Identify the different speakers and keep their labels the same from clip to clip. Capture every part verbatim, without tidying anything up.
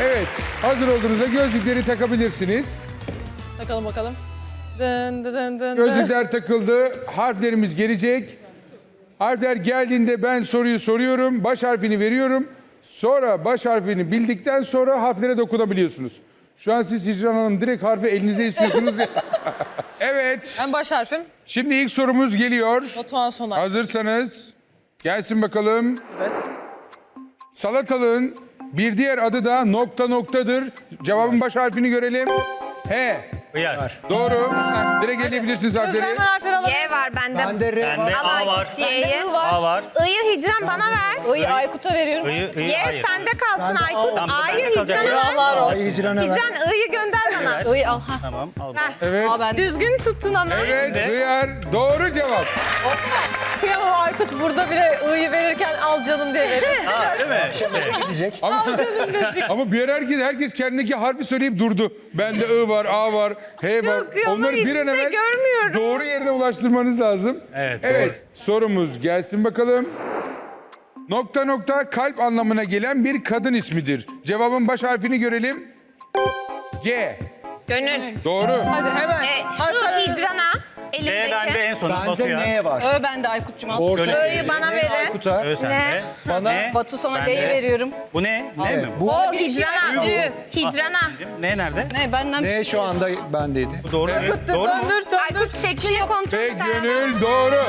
Speaker 1: Evet, hazır olduğunuzda gözlükleri takabilirsiniz.
Speaker 2: Takalım bakalım. Dın dın dın dın.
Speaker 1: Gözlükler takıldı, harflerimiz gelecek. Harfler geldiğinde ben soruyu soruyorum, baş harfini veriyorum. Sonra baş harfini bildikten sonra harflere dokunabiliyorsunuz. Şu an siz Hicran Hanım direkt harfi elinize istiyorsunuz ya. Evet,
Speaker 2: Ben baş harfim.
Speaker 1: şimdi ilk sorumuz geliyor.
Speaker 2: Batuhan Soner.
Speaker 1: Hazırsanız gelsin bakalım.
Speaker 2: Evet.
Speaker 1: Salatalığın bir diğer adı da nokta noktadır. Cevabın baş harfini görelim. H.
Speaker 3: Hıyar.
Speaker 1: Doğru. Direkt eleyebilirsiniz
Speaker 2: Özlem
Speaker 1: harfleri.
Speaker 2: hemen harfleri alabilir
Speaker 4: Y var bende.
Speaker 5: Bende R
Speaker 3: Bende
Speaker 5: var.
Speaker 3: A var.
Speaker 4: Y'yi.
Speaker 3: A var.
Speaker 4: I'yı Hicran bana ver.
Speaker 2: I'yı Aykut'a veriyorum.
Speaker 3: I'yı, I'yı,
Speaker 4: Y
Speaker 3: hayır.
Speaker 4: sende kalsın
Speaker 5: Sende
Speaker 4: Aykut.
Speaker 5: A.
Speaker 3: Tamam,
Speaker 4: A'yı
Speaker 3: bende kalacak.
Speaker 4: Hicran'a ver.
Speaker 2: Eyvallah olsun.
Speaker 5: Ay hicrana ver.
Speaker 4: Hicran I'yı gönder bana.
Speaker 2: I'yı al. Ha.
Speaker 3: Tamam al.
Speaker 4: Ver.
Speaker 1: Evet.
Speaker 2: Aa, ben
Speaker 4: Düzgün tuttun ama.
Speaker 1: Evet, hıyar. Doğru cevap.
Speaker 2: Kıyamam Aykut burada bile I'yı verirken al canım diye veriyor.
Speaker 3: Ha değil mi? İşte.
Speaker 5: Gidecek.
Speaker 1: Ama, ama bir ara herkes, herkes kendindeki harfi söyleyip durdu. Bende I var, A var, H var.
Speaker 4: Yok, yok,
Speaker 1: Onları bir
Speaker 4: hiçbir
Speaker 1: an
Speaker 4: şey
Speaker 1: evvel
Speaker 4: görmüyorum.
Speaker 1: doğru yerine ulaştırmanız lazım.
Speaker 3: Evet,
Speaker 1: Evet, sorumuz gelsin bakalım. Nokta nokta kalp anlamına gelen bir kadın ismidir. Cevabın baş harfini görelim. G.
Speaker 4: Gönül.
Speaker 1: Doğru.
Speaker 2: Hadi hemen.
Speaker 4: E, şu
Speaker 2: Harfler
Speaker 4: Hicran'a
Speaker 3: B bende
Speaker 4: elimdeki.
Speaker 3: en son
Speaker 5: Bende
Speaker 3: Batu'ya.
Speaker 5: N var.
Speaker 2: Ö bende Aykut'cum al.
Speaker 5: Orta
Speaker 4: I'yı bana verin.
Speaker 5: Aykut'a.
Speaker 3: Ö sende.
Speaker 4: Ne?
Speaker 5: Bana
Speaker 3: Ne?
Speaker 2: Batu sana
Speaker 3: Bende.
Speaker 2: D'yi veriyorum.
Speaker 3: Bu ne? Ne mi?
Speaker 5: bu
Speaker 4: O Hicran'a. Ü. Hicran'a.
Speaker 3: Ne nerede?
Speaker 2: Ne benden?
Speaker 5: N şu anda bendeydi.
Speaker 3: Bu doğru mu?
Speaker 2: Döndür,
Speaker 3: Doğru mu?
Speaker 2: döndür, döndür.
Speaker 4: Aykut şeklini kontrol
Speaker 1: Ve
Speaker 4: et.
Speaker 1: Gönül doğru.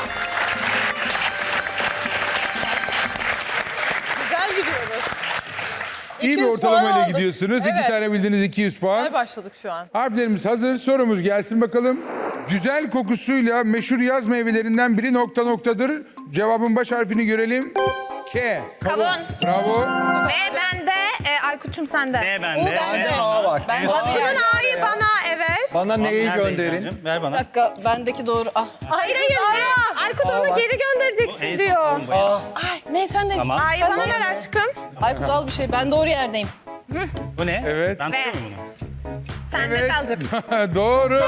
Speaker 2: Güzel gidiyoruz.
Speaker 1: İyi bir
Speaker 2: iki yüz
Speaker 1: ortalamayla
Speaker 2: puan aldık.
Speaker 1: gidiyorsunuz. İki
Speaker 2: Evet.
Speaker 1: tane bildiğiniz iki yüz puan.
Speaker 2: Hadi başladık şu an.
Speaker 1: Harflerimiz hazır. Sorumuz gelsin bakalım. Güzel kokusuyla meşhur yaz meyvelerinden biri nokta noktadır. Cevabın baş harfini görelim. K.
Speaker 4: Kavun.
Speaker 1: Bravo.
Speaker 4: B bende. E, Aykut'cum sende.
Speaker 3: Ne bende?
Speaker 5: Bende A var.
Speaker 2: Ben
Speaker 4: Batu'nun A'yı bana evet.
Speaker 5: Bana N'yi
Speaker 3: Nerede
Speaker 5: gönderin.
Speaker 3: İlhan'cığım? Ver
Speaker 2: Bir
Speaker 3: bana.
Speaker 2: dakika bendeki doğru. Ah.
Speaker 4: Hayır hayır. Ne? Aykut
Speaker 5: Aa,
Speaker 4: onu
Speaker 5: var.
Speaker 4: geri göndereceksin
Speaker 3: En
Speaker 4: diyor.
Speaker 3: son bu ya.
Speaker 5: A.
Speaker 2: Ay ne sen de.
Speaker 3: Tamam.
Speaker 4: A'yı bana ver aşkım.
Speaker 2: Aykut al bir şey. Ben doğru yerdeyim.
Speaker 3: Bu ne?
Speaker 1: Evet.
Speaker 3: Ben
Speaker 4: Ve-
Speaker 3: tutuyor muyum bunu?
Speaker 4: Sende
Speaker 1: Evet.
Speaker 4: kalacak.
Speaker 1: Doğru.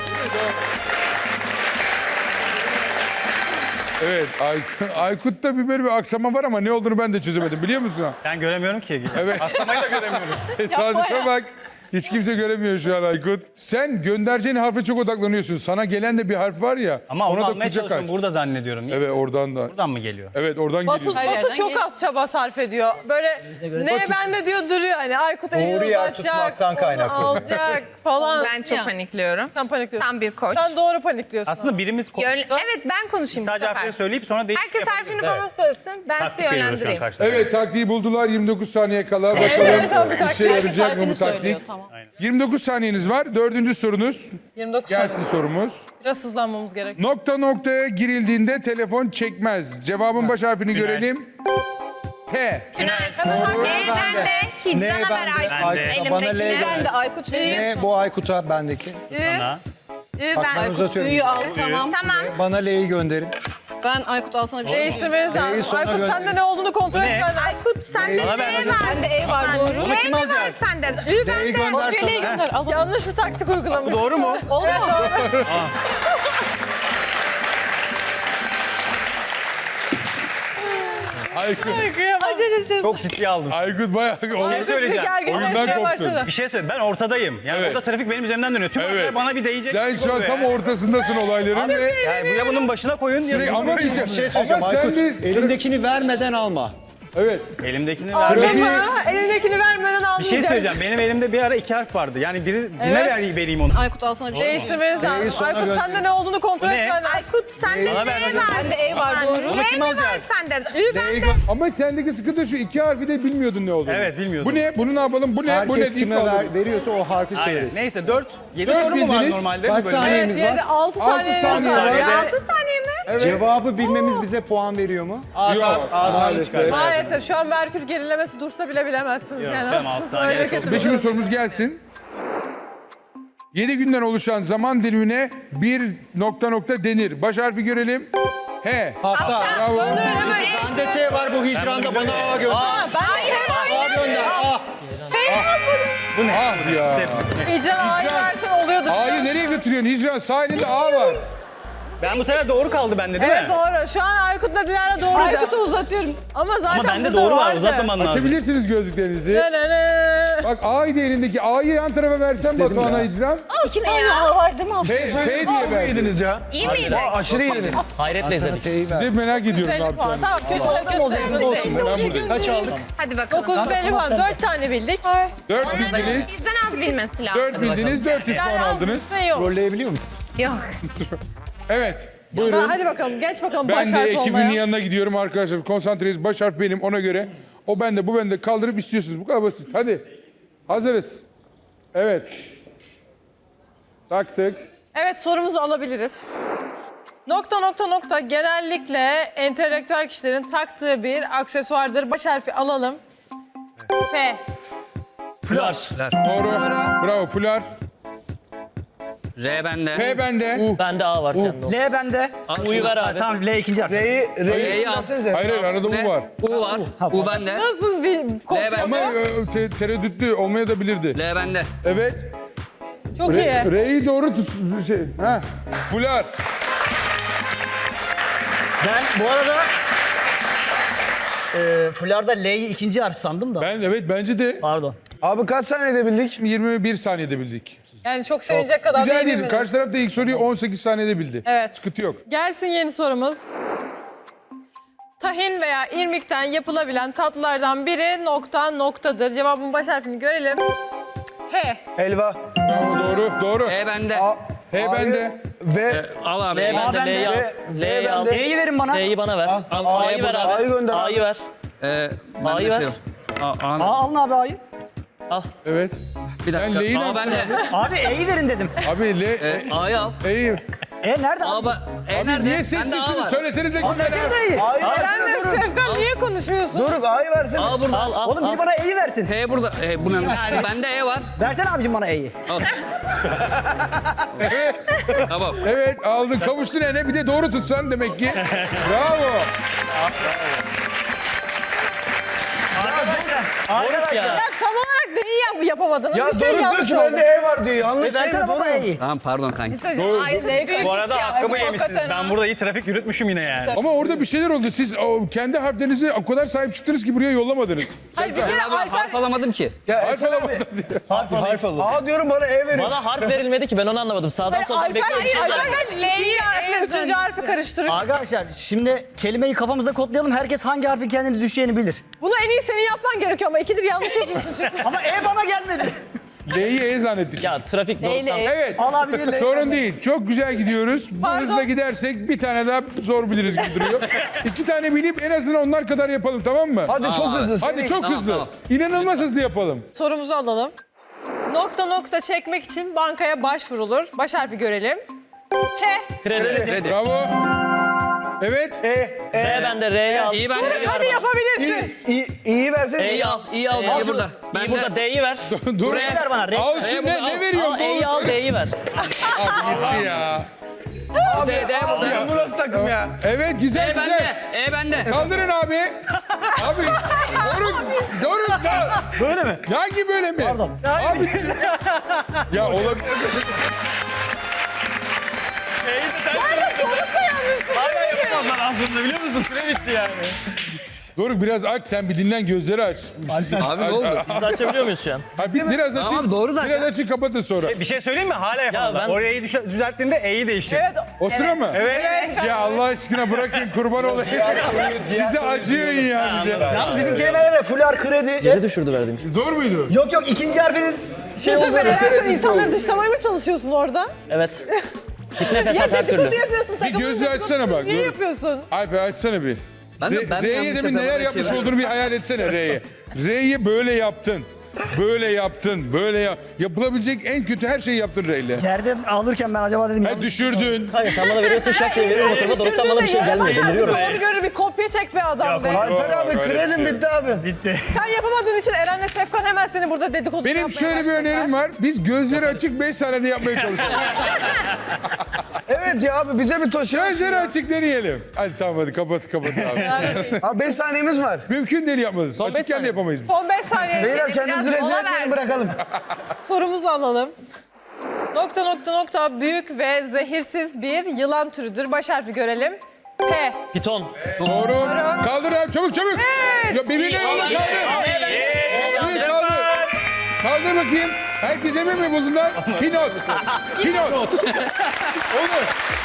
Speaker 1: Evet, Aykut, Aykut'ta bir böyle bir aksama var ama ne olduğunu ben de çözemedim biliyor musun?
Speaker 3: Ben göremiyorum ki.
Speaker 1: Evet.
Speaker 3: Atlamayı da göremiyorum.
Speaker 1: Tesadüfe bak. Hiç kimse göremiyor şu an Aykut. Sen göndereceğin harfe çok odaklanıyorsun. Sana gelen de bir harf var ya.
Speaker 3: Ama onu
Speaker 1: ona da
Speaker 3: almaya
Speaker 1: kucak
Speaker 3: çalışıyorum.
Speaker 1: aç.
Speaker 3: Burada zannediyorum.
Speaker 1: Evet oradan da.
Speaker 3: Buradan mı geliyor?
Speaker 1: Evet oradan
Speaker 2: Batu,
Speaker 1: geliyor.
Speaker 2: Batu
Speaker 6: yerden
Speaker 2: çok
Speaker 6: geliyor.
Speaker 2: az çaba sarf ediyor. Böyle ne bende diyor duruyor hani Aykut elini
Speaker 5: Doğru yer
Speaker 2: uzatacak,
Speaker 5: tutmaktan
Speaker 2: onu
Speaker 5: kaynaklı.
Speaker 2: alacak falan.
Speaker 4: Ben çok
Speaker 6: Ya.
Speaker 4: panikliyorum.
Speaker 2: Sen panikliyorsun.
Speaker 4: Tam bir koç.
Speaker 2: Sen doğru panikliyorsun.
Speaker 3: Aslında birimiz
Speaker 4: Yön-
Speaker 3: konuşsa
Speaker 4: Evet ben konuşayım bu
Speaker 3: sadece
Speaker 4: sefer.
Speaker 3: harfleri söyleyip sonra değişik
Speaker 4: Herkes harfini
Speaker 3: yapabiliriz.
Speaker 4: bana söylesin. Ben sizi
Speaker 3: Taktik veriyoruz şu an
Speaker 4: yönlendireyim.
Speaker 3: karşıda.
Speaker 1: Evet taktiği buldular. yirmi dokuz saniye kala.
Speaker 2: Evet,
Speaker 1: Bakalım
Speaker 2: tamam, bir
Speaker 1: işe
Speaker 2: taktik.
Speaker 1: yarayacak mı bu
Speaker 6: Harfini söylüyor,
Speaker 1: taktik?
Speaker 6: tamam.
Speaker 1: yirmi dokuz saniyeniz var. Dördüncü sorunuz.
Speaker 2: yirmi dokuz
Speaker 1: Gelsin
Speaker 2: saniye.
Speaker 1: sorumuz.
Speaker 2: Biraz hızlanmamız gerek.
Speaker 1: Nokta noktaya girildiğinde telefon çekmez. Cevabın baş harfini görelim. T.
Speaker 4: Tünel.
Speaker 2: Hemen harf-
Speaker 4: Ne bende? Hicran'a
Speaker 5: Ne
Speaker 4: ver
Speaker 5: bende?
Speaker 4: Aykut.
Speaker 3: Bende.
Speaker 5: Bana L
Speaker 4: Elimdekini.
Speaker 5: ver.
Speaker 2: Ben de Aykut veriyorum.
Speaker 5: N bu Aykut'a bendeki.
Speaker 4: Ü.
Speaker 3: Sana.
Speaker 4: Ü
Speaker 5: Bak ben
Speaker 4: ben.
Speaker 5: uzatıyorum.
Speaker 2: Üyü al tamam.
Speaker 4: Tamam.
Speaker 5: Bana L'yi gönderin.
Speaker 6: Ben Aykut alsana bir şey.
Speaker 2: Değiştirmeniz
Speaker 5: D'yi
Speaker 2: lazım.
Speaker 5: sona
Speaker 2: Aykut
Speaker 5: gönder.
Speaker 2: sende ne olduğunu kontrol
Speaker 3: Bu ne?
Speaker 2: etmen lazım.
Speaker 4: Aykut sende
Speaker 3: Bana
Speaker 4: Z
Speaker 3: ver,
Speaker 4: var.
Speaker 2: Bende E var doğru.
Speaker 3: Bunu kim
Speaker 4: Ne var
Speaker 3: alacak?
Speaker 4: sende? Ü
Speaker 5: D'yi
Speaker 4: bende.
Speaker 5: gönder
Speaker 6: Şöyle
Speaker 5: sana.
Speaker 6: gönder. Al.
Speaker 2: Yanlış bir taktik uygulamış.
Speaker 3: Doğru mu?
Speaker 2: Oldu mu?
Speaker 1: Aykut,
Speaker 3: Çok ciddiye aldım.
Speaker 1: Aykut bayağı
Speaker 3: Bir şey söyleyeceğim.
Speaker 1: Oyundan koptun.
Speaker 2: başladı.
Speaker 3: Bir şey söyle. Ben ortadayım. Yani
Speaker 1: Evet.
Speaker 3: burada trafik benim üzerimden dönüyor. Tüm
Speaker 1: Evet.
Speaker 3: evet. bana bir değecek.
Speaker 1: Sen
Speaker 3: gibi
Speaker 1: şu an
Speaker 3: oluyor
Speaker 1: tam
Speaker 3: ya.
Speaker 1: ortasındasın olayların ve
Speaker 3: Yani bu ya bunun başına koyun ya.
Speaker 1: Sürekli- ama işte,
Speaker 5: Bir şey söyleyeceğim
Speaker 1: ama sen
Speaker 5: Aykut.
Speaker 1: de
Speaker 5: Elindekini vermeden alma.
Speaker 1: evet.
Speaker 3: Elimdekini
Speaker 2: Aldın
Speaker 3: ver.
Speaker 2: mı? Elindekini vermeden
Speaker 3: Bir
Speaker 2: almayacaksın.
Speaker 3: şey söyleyeceğim. Benim elimde bir ara iki harf vardı. Yani biri kime
Speaker 2: Evet.
Speaker 3: ver, vereyim onu?
Speaker 6: Aykut alsana bir şey.
Speaker 2: Değiştirmeniz
Speaker 5: D'yi
Speaker 2: lazım.
Speaker 5: sona
Speaker 2: Aykut
Speaker 5: gönder.
Speaker 2: sende ne olduğunu kontrol
Speaker 3: Bu ne?
Speaker 2: etmen lazım.
Speaker 4: Aykut sende Z
Speaker 3: Bana ver,
Speaker 4: var.
Speaker 3: hadi.
Speaker 6: Bende E var doğru.
Speaker 3: Bunu
Speaker 4: Ne
Speaker 3: kim
Speaker 4: mi var
Speaker 3: alacak?
Speaker 4: sende? Ü
Speaker 5: D'yi
Speaker 4: bende.
Speaker 5: gö-
Speaker 1: Ama sendeki sıkıntı şu iki harfi de bilmiyordun ne olduğunu.
Speaker 3: Evet, bilmiyordum.
Speaker 1: Bu ne? Bunu ne yapalım? Bu ne? bu ne?
Speaker 5: Herkes kime
Speaker 1: deyip
Speaker 5: ver,
Speaker 1: kaldın.
Speaker 5: veriyorsa o harfi
Speaker 3: Aynen.
Speaker 5: söylesin.
Speaker 3: Neyse dört, yedi
Speaker 1: Dört
Speaker 3: soru mu var
Speaker 1: bildiniz.
Speaker 3: normalde?
Speaker 5: Kaç
Speaker 3: bu bölümde?
Speaker 5: saniye?
Speaker 2: Evet,
Speaker 5: Neyimiz
Speaker 2: diğeri
Speaker 5: var?
Speaker 2: altı
Speaker 1: Altı
Speaker 2: saniye
Speaker 1: saniye
Speaker 2: var.
Speaker 1: var.
Speaker 2: Ya.
Speaker 4: altı saniye mi?
Speaker 1: Evet.
Speaker 5: Cevabı bilmemiz bize puan veriyor mu?
Speaker 3: A saat,
Speaker 1: Yok,
Speaker 3: A saat
Speaker 1: maalesef.
Speaker 3: çıkar.
Speaker 2: Maalesef şu an Merkür gerilemesi dursa bile bilemezsiniz.
Speaker 3: Yok
Speaker 2: yani.
Speaker 3: canım, altı saniye
Speaker 2: Öyle
Speaker 3: çok-
Speaker 2: kötü bir
Speaker 1: Beşinci
Speaker 2: durum.
Speaker 1: sorumuz gelsin. Yedi günden oluşan zaman dilimine bir nokta nokta denir. Baş harfi görelim. H.
Speaker 5: Hafta.
Speaker 1: Bravo.
Speaker 5: Bende T var bu hicranda bana A gönder.
Speaker 4: Hayır hayır.
Speaker 5: A gönder. A.
Speaker 3: Bu ne?
Speaker 1: Ah ya.
Speaker 2: Hicran A'yı
Speaker 1: Hicran.
Speaker 2: versen oluyordu.
Speaker 1: A'yı nereye götürüyorsun? Hicran sağ elinde A var.
Speaker 3: Ben bu sefer doğru kaldı bende değil
Speaker 2: Evet
Speaker 3: mi?
Speaker 2: doğru. Şu an Aykut'la Dilara doğru.
Speaker 6: Aykut'u uzatıyorum.
Speaker 2: Ama zaten
Speaker 3: Ama bende
Speaker 2: burada
Speaker 3: doğru var.
Speaker 2: vardı.
Speaker 3: Uzatmaman lazım.
Speaker 1: Açabilirsiniz gözlüklerinizi.
Speaker 2: Ne ne ne.
Speaker 1: Bak A'yı da elindeki A'yı yan tarafa versen Batuhan'a
Speaker 5: ya.
Speaker 1: icram.
Speaker 6: İki tane A var değil mi abi?
Speaker 1: F, F diye
Speaker 5: Nasıl
Speaker 1: ver.
Speaker 5: yediniz ya?
Speaker 4: İyi miydi?
Speaker 5: Aa, aşırı yediniz.
Speaker 3: Hayretle izledik.
Speaker 1: Size merak ediyorum ne
Speaker 2: elli puan.
Speaker 1: yapacağını.
Speaker 2: Tamam kötü kötü.
Speaker 5: Olsun ben buradayım. Kaç aldık?
Speaker 4: Hadi bakalım.
Speaker 2: dokuz yüz elli puan. dört tane bildik.
Speaker 1: Dört
Speaker 4: Onların
Speaker 1: bildiniz.
Speaker 4: bizden az bilmesi lazım.
Speaker 1: Dört bildiniz, dört yüz puan
Speaker 2: Yani az
Speaker 1: aldınız.
Speaker 2: bir şey yok.
Speaker 5: Rolleyebiliyor musun?
Speaker 4: Yok.
Speaker 1: Evet,
Speaker 2: Ha,
Speaker 1: buyurun.
Speaker 2: hadi bakalım geç bakalım
Speaker 1: Ben
Speaker 2: baş
Speaker 1: de
Speaker 2: harfi
Speaker 1: ekibin
Speaker 2: olmaya.
Speaker 1: yanına gidiyorum arkadaşlar. Konsantreyiz. Baş harf benim ona göre. O bende, bu bende. Kaldırıp istiyorsunuz. Bu kadar basit. Hadi. Hazırız. Evet. Taktık.
Speaker 2: Evet sorumuzu alabiliriz. Nokta nokta nokta genellikle entelektüel kişilerin taktığı bir aksesuardır. Baş harfi alalım. F.
Speaker 3: Flar.
Speaker 1: Doğru. Bravo. Fular.
Speaker 7: R bende.
Speaker 1: F bende.
Speaker 3: Bende A var sende. L bende. U'yu ver abi. Tamam L ikinci harf.
Speaker 5: R'yi, R'yi
Speaker 7: R'yi al.
Speaker 5: versenize.
Speaker 1: Hayır hayır arada
Speaker 7: Ne?
Speaker 1: U var.
Speaker 7: U var. U bende.
Speaker 2: Nasıl bir kopya?
Speaker 7: L
Speaker 1: Ama
Speaker 7: bende.
Speaker 1: e, te- tereddütlü olmaya da bilirdi.
Speaker 7: L bende.
Speaker 1: Evet.
Speaker 2: Çok iyi.
Speaker 1: Re- R'yi doğru tut. Şey. Ha. Fular.
Speaker 8: Ben bu arada e, Fular'da L'yi ikinci harf sandım da.
Speaker 1: Ben evet bence de
Speaker 8: Pardon.
Speaker 5: Abi kaç saniyede bildik?
Speaker 1: yirmi bir saniyede bildik.
Speaker 2: Yani çok sevinecek kadar
Speaker 1: Güzel
Speaker 2: değil.
Speaker 1: değil.
Speaker 2: mi?
Speaker 1: Karşı taraf da ilk soruyu on sekiz saniyede bildi.
Speaker 2: Evet.
Speaker 1: Sıkıntı yok.
Speaker 2: Gelsin yeni sorumuz. Tahin veya irmikten yapılabilen tatlılardan biri nokta noktadır. Cevabın baş harfini görelim. H.
Speaker 5: Helva.
Speaker 1: Bravo doğru. Doğru.
Speaker 7: E bende.
Speaker 5: A,
Speaker 1: H
Speaker 5: A'yı
Speaker 1: bende.
Speaker 5: Ve
Speaker 7: Al abi.
Speaker 3: L bende.
Speaker 8: bende.
Speaker 3: L'yi al.
Speaker 5: Ve-
Speaker 3: L'yi
Speaker 5: ve
Speaker 3: al.
Speaker 5: bende.
Speaker 8: L'yi verin bana.
Speaker 3: L'yi bana ver.
Speaker 5: Al,
Speaker 3: Al,
Speaker 5: A'yı
Speaker 3: A'yı ver
Speaker 5: burada.
Speaker 3: abi.
Speaker 5: A'yı gönder abi.
Speaker 3: A'yı ver.
Speaker 7: Ee, bende
Speaker 3: A'yı
Speaker 7: şey
Speaker 3: ver.
Speaker 7: var. A,
Speaker 8: Aa,
Speaker 7: A,
Speaker 8: alın abi A'yı.
Speaker 1: Evet.
Speaker 7: bir
Speaker 1: Sen
Speaker 7: dakika.
Speaker 1: L'yi ne
Speaker 7: A
Speaker 1: yapacaksın
Speaker 7: bende.
Speaker 8: Abi E'yi verin dedim.
Speaker 1: Abi L,
Speaker 7: Ee, A'yı al.
Speaker 1: E'yi.
Speaker 8: E nerede
Speaker 7: A,
Speaker 8: abi?
Speaker 7: ba- E
Speaker 1: Abi
Speaker 7: nerede?
Speaker 1: niye
Speaker 7: Bende A
Speaker 1: sessizsiniz?
Speaker 7: var.
Speaker 1: Söylesenize kimler?
Speaker 8: Versenize E'yi.
Speaker 5: A'yı
Speaker 2: Sen
Speaker 5: versene
Speaker 2: de
Speaker 5: durun.
Speaker 2: Şefkat niye konuşmuyorsun?
Speaker 5: Durun A'yı versene.
Speaker 7: A burada.
Speaker 3: Al al.
Speaker 8: Oğlum
Speaker 3: al.
Speaker 8: biri bana E'yi versin.
Speaker 7: H burada. E, bu ne? Bende E var.
Speaker 8: Versene abicim bana E'yi.
Speaker 7: Al. Tamam.
Speaker 1: Evet aldın kavuştun ene bir de doğru tutsan demek ki. Bravo.
Speaker 8: Arkadaşlar.
Speaker 3: Ya.
Speaker 2: Ya tam olarak neyi yap yapamadınız?
Speaker 5: Ya
Speaker 2: bir şey
Speaker 5: Doruk diyor
Speaker 2: yanlış
Speaker 5: ki
Speaker 2: oldu.
Speaker 5: bende E var diyor. Yanlış
Speaker 8: E versene
Speaker 5: değil
Speaker 8: bana
Speaker 5: Doruk.
Speaker 8: E'yi.
Speaker 7: Tamam pardon kanki.
Speaker 1: Doğru.
Speaker 3: Bu arada hakkımı yemişsiniz. Ben burada iyi trafik yürütmüşüm yine yani.
Speaker 1: Ama orada bir şeyler oldu. Siz o, kendi harflerinizi o kadar sahip çıktınız ki buraya yollamadınız.
Speaker 2: Hayır bir
Speaker 1: Serkan.
Speaker 2: kere
Speaker 7: Abi
Speaker 2: Alper...
Speaker 7: harf alamadım ki.
Speaker 5: Ya
Speaker 1: Harf
Speaker 5: Esen abi.
Speaker 1: alamadın diye.
Speaker 5: Harf, harf alın. A diyorum bana E verin.
Speaker 3: Bana harf verilmedi ki ben onu anlamadım. Sağdan
Speaker 2: Hayır,
Speaker 3: soldan
Speaker 2: Alper,
Speaker 3: bekliyorum. bir şey
Speaker 2: Alper
Speaker 3: geldi.
Speaker 2: hep ikinci harfle üçüncü harfi karıştırıyor.
Speaker 8: Arkadaşlar şimdi kelimeyi kafamızda kodlayalım. Herkes hangi harfin kendini düşeceğini bilir.
Speaker 2: Bunu en iyi senin yapman gerekiyor ama ikidir yanlış yapıyorsun çünkü.
Speaker 8: Ama E bana gelmedi.
Speaker 1: L'yi E zannettik.
Speaker 3: Ya trafik doğrultudan.
Speaker 1: Evet.
Speaker 8: Al abi L'yi.
Speaker 1: Sorun değil. Çok güzel gidiyoruz. Bu
Speaker 2: Pardon.
Speaker 1: hızla gidersek bir tane daha zor biliriz gibi duruyor. İki tane bilip en azından onlar kadar yapalım tamam mı?
Speaker 5: Hadi çok hızlı.
Speaker 1: Hadi çok
Speaker 7: Tamam,
Speaker 1: hızlı.
Speaker 7: tamam.
Speaker 1: İnanılmaz hızlı yapalım.
Speaker 2: Sorumuzu alalım. Nokta nokta çekmek için bankaya başvurulur. Baş harfi görelim. K.
Speaker 3: Kredi.
Speaker 7: Kredi.
Speaker 1: Bravo. Evet.
Speaker 5: E, E.
Speaker 3: R bende. R'yi al.
Speaker 7: İyi bende.
Speaker 2: Doruk hadi yapabilirsin.
Speaker 5: İ, İ, İ'yi versene.
Speaker 7: E'yi al. İyi al. İyi burada.
Speaker 3: İyi
Speaker 7: Bende.
Speaker 3: burada D'yi ver.
Speaker 1: Dur.
Speaker 8: Ver bana.
Speaker 1: Al
Speaker 7: E,
Speaker 1: şimdi
Speaker 7: bunu
Speaker 1: ne,
Speaker 7: al.
Speaker 1: ne veriyorsun?
Speaker 3: Al E'yi al D'yi ver.
Speaker 1: Abi gitti ya.
Speaker 5: Abi,
Speaker 7: D, D
Speaker 5: abi,
Speaker 7: burada.
Speaker 5: bu nasıl takım ya?
Speaker 1: Evet güzel
Speaker 7: E
Speaker 1: güzel.
Speaker 7: bende. E bende.
Speaker 1: Kaldırın abi. Abi Doruk, Doruk da.
Speaker 8: Böyle mi?
Speaker 1: Hangi böyle mi?
Speaker 8: Pardon.
Speaker 1: Abi ya olabilir.
Speaker 3: Hala yapamam ben aslında biliyor musun? Süre bitti yani.
Speaker 1: Doruk biraz aç sen bir dinlen gözleri aç.
Speaker 7: Abi ne oldu?
Speaker 3: Biz de açabiliyor muyuz şu an?
Speaker 1: Ha, bir, biraz açın.
Speaker 7: Tamam, doğru zaten.
Speaker 1: Biraz açın kapatın sonra.
Speaker 3: Bir şey söyleyeyim mi? Hala yapamadılar. ben- Orayı düş- düzelttiğinde E'yi değiştir.
Speaker 2: Evet.
Speaker 1: O sıra mı?
Speaker 3: Evet.
Speaker 1: Ya Allah aşkına bırakın kurban olayım.
Speaker 5: Diğer soruyu, diğer
Speaker 1: Bize
Speaker 5: soruyu
Speaker 1: acıyın
Speaker 5: diyorum.
Speaker 1: ya bize.
Speaker 8: Yalnız bizim kelimelere fular, kredi.
Speaker 3: Geri düşürdü verdiğim.
Speaker 1: Zor muydu?
Speaker 8: Yok yok ikinci harfinin şey
Speaker 2: Yusuf
Speaker 8: oldu.
Speaker 2: Bey neden sen insanları dışlamaya mı çalışıyorsun orada?
Speaker 3: Evet. Fitne
Speaker 2: Ya
Speaker 3: fesat her türlü.
Speaker 2: dedikodu yapıyorsun. takımın
Speaker 1: gözü
Speaker 2: dedikodusunu
Speaker 1: açsana bak,
Speaker 2: Niye
Speaker 1: dur.
Speaker 2: yapıyorsun?
Speaker 1: Alper açsana bir.
Speaker 7: Ben de-
Speaker 1: Re-
Speaker 7: ben de
Speaker 1: R'ye
Speaker 7: yanlış
Speaker 1: demin neler
Speaker 7: yapıyorum,
Speaker 1: yapmış
Speaker 7: bir şey
Speaker 1: olduğunu bir hayal etsene R'ye. R'yi böyle yaptın. Böyle yaptın. Böyle ya yapılabilecek en kötü her şeyi yaptın R'yle.
Speaker 8: Yerde alırken ben acaba dedim
Speaker 1: Ha,
Speaker 8: yanlış.
Speaker 1: düşürdün.
Speaker 3: Kanka sen bana veriyorsun şak diye veriyorum o tarafa. Doruk'tan bana bir şey gelmiyor. Deliriyorum.
Speaker 2: Doğru görür bir kopya çek be adam be.
Speaker 5: Alper abi
Speaker 1: öyle
Speaker 5: kredim
Speaker 1: şey.
Speaker 5: bitti abi.
Speaker 8: Bitti.
Speaker 2: Sen yapamadığın için Eren'le Sefkan hemen seni burada dedikodu
Speaker 1: Benim
Speaker 2: yapmaya
Speaker 1: şöyle bir
Speaker 2: başladılar.
Speaker 1: önerim var. Biz gözleri açık beş saniyede yapmaya çalışalım.
Speaker 5: Evet ya abi bize bir toş.
Speaker 1: Gözleri açık deneyelim. Hadi tamam hadi kapat kapat abi.
Speaker 5: Abi beş saniyemiz var.
Speaker 1: Mümkün değil yapmalıyız.
Speaker 3: Son beş
Speaker 1: Açıkken de
Speaker 3: saniye.
Speaker 1: yapamayız biz.
Speaker 2: Son beş saniye.
Speaker 5: Beyler kendimizi
Speaker 4: Biraz
Speaker 5: rezil
Speaker 4: mola
Speaker 5: etmeyelim
Speaker 4: ver.
Speaker 5: bırakalım.
Speaker 2: Sorumuzu alalım. Nokta nokta nokta büyük ve zehirsiz bir yılan türüdür. Baş harfi görelim. P.
Speaker 3: Piton.
Speaker 1: Doğru. Kaldır abi çabuk çabuk. Ya birbirine yolla kaldır. Evet, kaldır. Kaldır bakayım. Herkes emin mi buldular? Pinot. Pinot. Olur.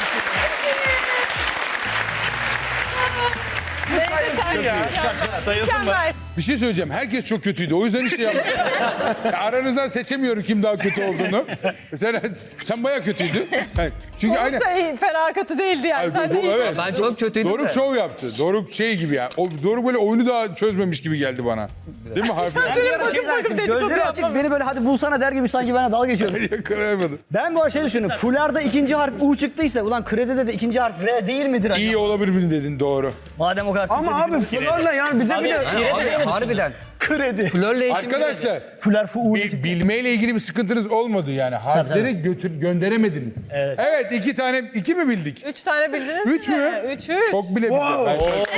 Speaker 3: Sayılsın mı?
Speaker 2: Mükemmel.
Speaker 1: Bir şey söyleyeceğim. Herkes çok kötüydü. O yüzden işte yaptım. Ya aranızdan seçemiyorum kim daha kötü olduğunu. Sen, sen bayağı kötüydün. Yani çünkü aynı...
Speaker 2: Çok da iyi, fena kötü değildi yani.
Speaker 1: Ay,
Speaker 2: Sen
Speaker 1: bu-
Speaker 2: de
Speaker 1: bu-
Speaker 2: iyisin.
Speaker 1: evet.
Speaker 7: Ben çok kötüydüm
Speaker 1: Doruk
Speaker 7: de.
Speaker 1: şov yaptı. Doruk şey gibi ya. O Doruk böyle oyunu daha çözmemiş gibi geldi bana. Değil mi harfler?
Speaker 8: Ben bir ara
Speaker 2: bakıp
Speaker 8: şey
Speaker 2: bakıp
Speaker 8: zannettim.
Speaker 2: dedikodu
Speaker 8: Gözleri açık
Speaker 2: yapmam.
Speaker 8: beni böyle hadi bulsana der gibi sanki bana dalga geçiyorsun.
Speaker 1: Yakalayamadım.
Speaker 8: Ben bu arada şey düşündüm. Fularda ikinci harf U çıktıysa ulan kredide de ikinci harf R değil midir acaba?
Speaker 1: İyi olabilir mi dedin doğru.
Speaker 8: Madem o kadar
Speaker 5: Ama abi florla yani bize bir de...
Speaker 7: Abi harbiden.
Speaker 8: kredi.
Speaker 7: Flörle işim
Speaker 1: Arkadaşlar
Speaker 8: Fular fu U.
Speaker 1: bil- bilmeyle ilgili bir sıkıntınız olmadı yani. Harfleri götür gönderemediniz.
Speaker 8: Evet.
Speaker 1: Evet iki tane iki mi bildik?
Speaker 2: Üç tane bildiniz
Speaker 1: Üç
Speaker 2: mi?
Speaker 1: mü?
Speaker 2: Üç, üç.
Speaker 1: Çok bile bize. Ben şaşırdım.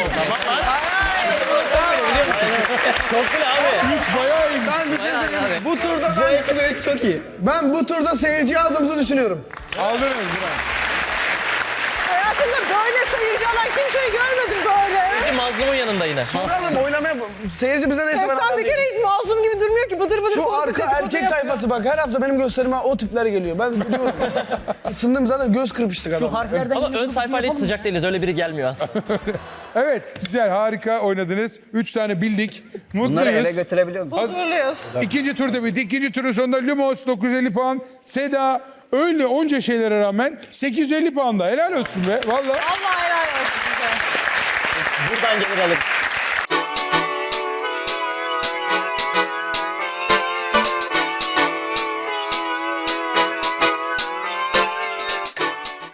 Speaker 3: Çok bile abi.
Speaker 1: Üç bayağı iyi.
Speaker 5: Ben bir şey söyleyeyim. Bu turda
Speaker 7: Bu
Speaker 5: ben,
Speaker 7: iki ve üç çok iyi.
Speaker 5: ben bu turda seyirciyi aldığımızı düşünüyorum.
Speaker 1: Aldınız bravo.
Speaker 2: Hayatımda böyle seyirci alan kimseyi görmedim böyle.
Speaker 3: Mazlumun yanında yine.
Speaker 5: Soralım oynamaya... Seyirci bize neyse ben
Speaker 2: Efkan bir
Speaker 5: anlamayayım.
Speaker 2: kere hiç mazlum gibi durmuyor ki. Bıdır bıdır
Speaker 5: Şu
Speaker 2: konuşuyor,
Speaker 5: arka
Speaker 2: dedikodu
Speaker 5: erkek
Speaker 2: yapıyor.
Speaker 5: tayfası bak her hafta benim gösterime o tipler geliyor. Ben biliyorum. Isındım zaten göz kırpıştık
Speaker 8: Şu
Speaker 5: adam.
Speaker 8: harflerden
Speaker 3: Ama
Speaker 8: yine
Speaker 3: ön
Speaker 8: bir
Speaker 3: tayfayla hiç
Speaker 8: yapalım.
Speaker 3: sıcak değiliz. Öyle biri gelmiyor aslında.
Speaker 1: Evet güzel harika oynadınız. Üç tane bildik.
Speaker 7: Bunları eve
Speaker 1: Mutluyuz.
Speaker 7: götürebiliyor musun?
Speaker 2: Huzurluyuz.
Speaker 1: İkinci turda bitti. İkinci turun sonunda Lumos dokuz yüz elli puan. Seda öyle onca şeylere rağmen sekiz yüz elli puanda. Helal olsun be. Vallahi.
Speaker 2: Allah helal olsun size.
Speaker 3: Buradan gelir alırız.